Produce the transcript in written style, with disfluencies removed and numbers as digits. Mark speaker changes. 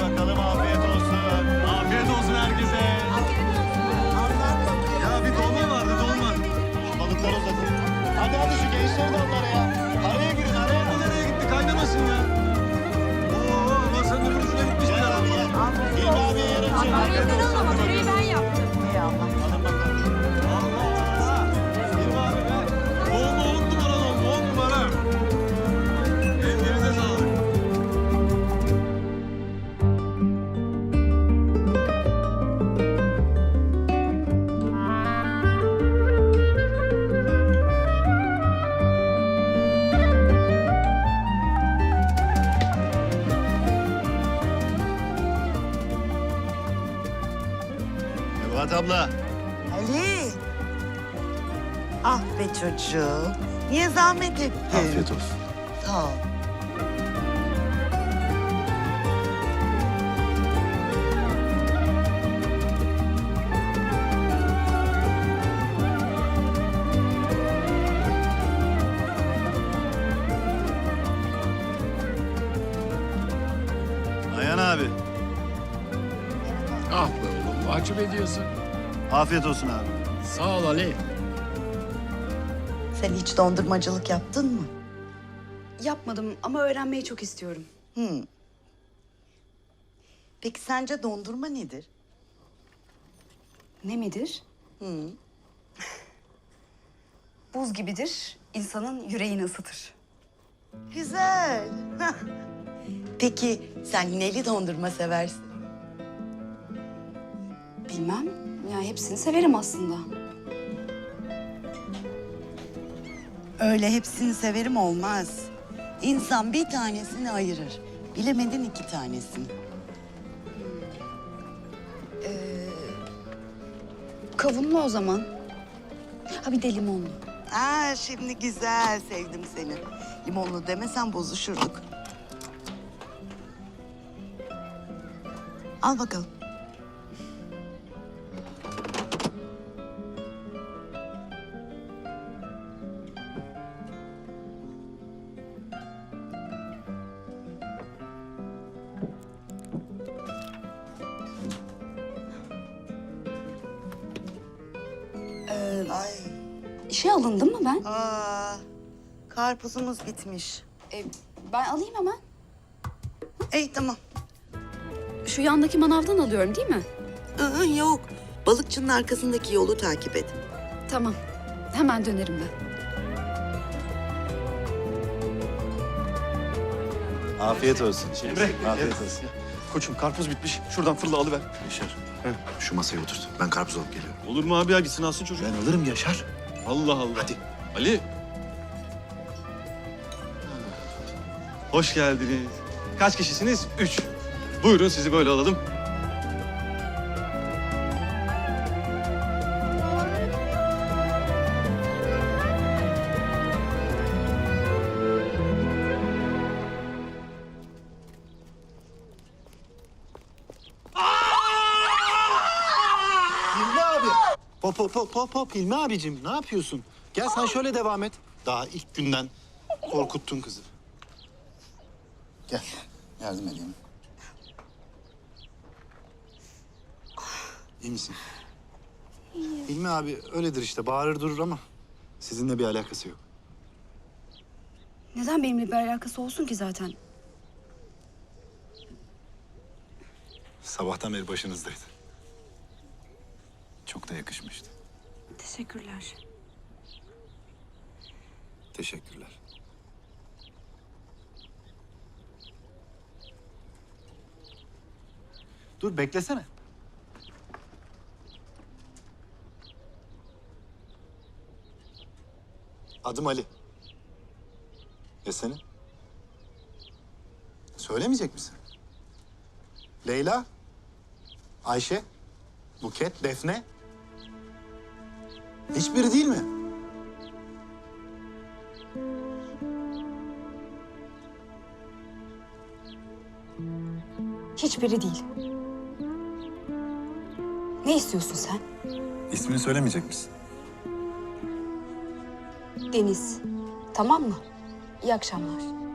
Speaker 1: bakalım, afiyet olsun. Afiyet olsun herkese. Ya bir dolma vardı, dolma. Şu balıkları uzatın. Hadi şu gençleri de onlara ya. Araya girin, araya. Bu nereye gitti? Kaynamasın ya. Oo, masanın öbür ucuna gitmiş bile. İlmi abiye yarın çek.
Speaker 2: Öğretmen ama süreyi ben yaptım.
Speaker 1: Alın bakalım. Allah! İlmi abi be. Dolma 10 numara dolma, 10 numara. Ellerinize sağlık. Nebahat abla.
Speaker 3: Ali. Ah be çocuğum. Niye zahmet ettin?
Speaker 1: Afiyet olsun.
Speaker 3: Sağ ol.
Speaker 1: Ayhan abi.
Speaker 4: Ah be oğlum, mahcup ediyorsun.
Speaker 1: Afiyet olsun abi.
Speaker 4: Sağ ol Ali.
Speaker 3: Sen hiç dondurmacılık yaptın mı?
Speaker 2: Yapmadım ama öğrenmeyi çok istiyorum.
Speaker 3: Peki sence dondurma nedir?
Speaker 2: Ne midir? Buz gibidir, insanın yüreğini ısıtır.
Speaker 3: Güzel. Peki sen neli dondurma seversin?
Speaker 2: Bilmem, ya hepsini severim aslında.
Speaker 3: Öyle hepsini severim olmaz. İnsan bir tanesini ayırır. Bilemedin iki tanesini.
Speaker 2: Kavunlu o zaman. Ha bir de limonlu.
Speaker 3: Aa, şimdi güzel, sevdim seni. Limonlu demesen bozuşurduk. Al bakalım. Ay.
Speaker 2: İşe alındım mı ben?
Speaker 3: Karpuzumuz bitmiş.
Speaker 2: Ben alayım hemen.
Speaker 3: Ey tamam.
Speaker 2: Şu yandaki manavdan alıyorum değil mi?
Speaker 3: Yok. Balıkçının arkasındaki yolu takip et.
Speaker 2: Tamam, hemen dönerim ben.
Speaker 1: Afiyet olsun. Emre. Afiyet olsun.
Speaker 5: Koçum karpuz bitmiş. Şuradan fırla alıver.
Speaker 6: Yaşar, şu masaya oturt. Ben karpuz alıp geliyorum.
Speaker 5: Olur mu abi ya, gitsin alsın çocuk.
Speaker 6: Ben alırım Yaşar.
Speaker 5: Allah Allah.
Speaker 6: Hadi.
Speaker 5: Ali. Hoş geldiniz. Kaç kişisiniz? 3. Buyurun sizi böyle alalım.
Speaker 1: Hilmi abi. Hop. Hilmi abicim ne yapıyorsun? Gel sen şöyle devam et. Daha ilk günden korkuttun kızı.
Speaker 6: Gel, yardım edeyim.
Speaker 1: İyi misin? Hilmi abi öyledir işte, bağırır durur ama sizinle bir alakası yok.
Speaker 2: Neden benimle bir alakası olsun ki zaten?
Speaker 6: Sabahtan beri başınızdaydı. Çok da yakışmıştı.
Speaker 2: Teşekkürler.
Speaker 6: Teşekkürler.
Speaker 1: Dur beklesene. Adım Ali. Ya senin? Söylemeyecek misin? Leyla? Ayşe? Buket? Defne? Hiçbiri değil mi?
Speaker 2: Hiçbiri değil. Ne istiyorsun sen?
Speaker 6: İsmini söylemeyecek misin?
Speaker 2: Deniz. Tamam mı? İyi akşamlar.